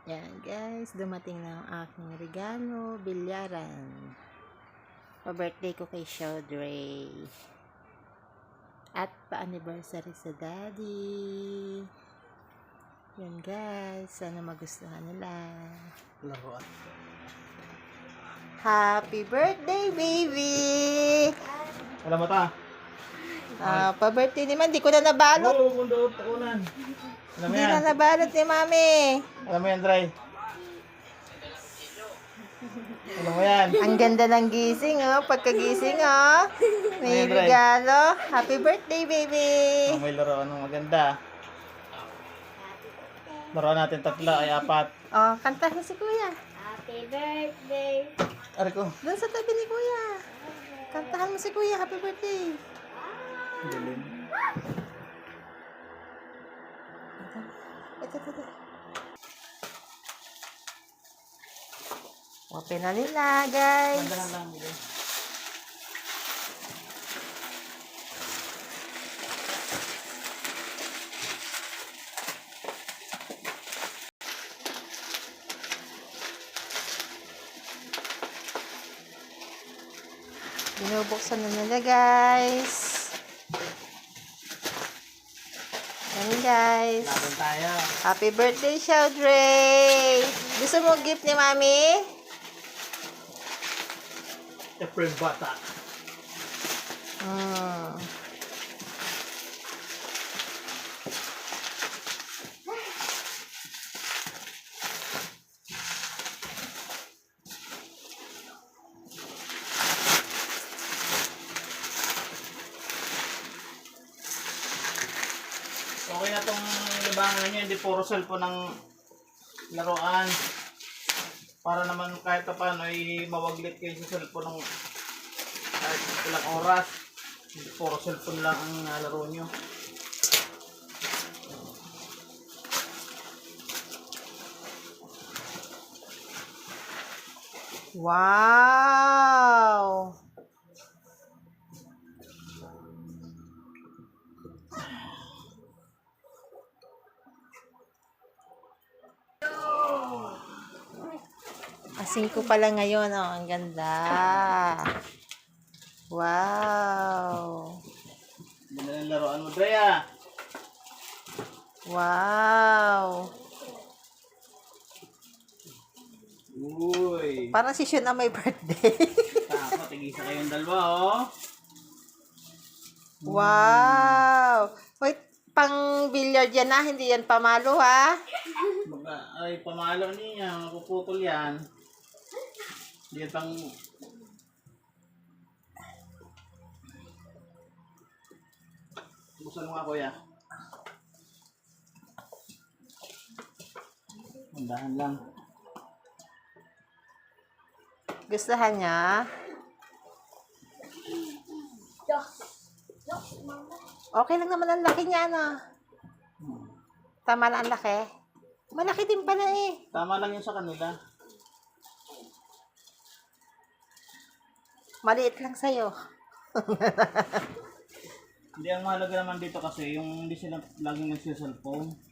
Yan guys, dumating na ang aking regalo, bilyaran. Pa-birthday ko kay Shaudrey. At pa-anniversary sa daddy. Yan guys, sana magustuhan nila. Laruan. Happy birthday baby! Alam mo ta? Pa-birthday naman, di ko na nabalot. Oo, kundo, takunan. Alam mo Di yan? na nabalot ni mami. Alam mo yan, Dry? Alam mo yan? Ang ganda ng gising, oh. Pagkagising, oh. May Ayan, Dry. regalo. Happy birthday, baby! Oh, may laruan ng maganda. Laruan natin tatlo ay apat. Oh, kanta na si kuya. Happy birthday. Ari ko. Doon sa tabi ni kuya. Kantahan mo si kuya. Happy birthday. Galing. Ito. Open na nila, guys. Mandahan lang. Bigay. Binubuksan na nila, guys. Yan, guys. Laban tayo. Happy birthday, Shaudrey! Gusto mo gift ni mami? April bata. Hmm. Okay na tong libangan nyo. Hindi puro cellphone ng laruan. Para naman kahit paano ay mawaglit kayo sa cellphone ng kahit ilang oras. Hindi puro cellphone lang ang laro nyo. Wow! Asing ko pala ngayon, oh. Ang ganda. Wow. Ganda ng laruan mo, Drea. Wow. Uy. Parang si Shun na may birthday. Tama, tigisa kayong dalawa, oh. Wow. Wait, pang billiard yan na, hindi yan pamalo, ha? Ay, pamalo niya. Mapuputol yan. Hindi yan pang... Buksan mo nga, kuya. Mandahan lang. Gustuhan niya? Okay lang naman ang laki niya, ano? Tama na ang laki. Malaki din pala eh. Tama lang yun sa kanila. Maliit lang sa'yo. Hindi, ang mahalaga naman dito kasi yung hindi sila laging nagsiselfone.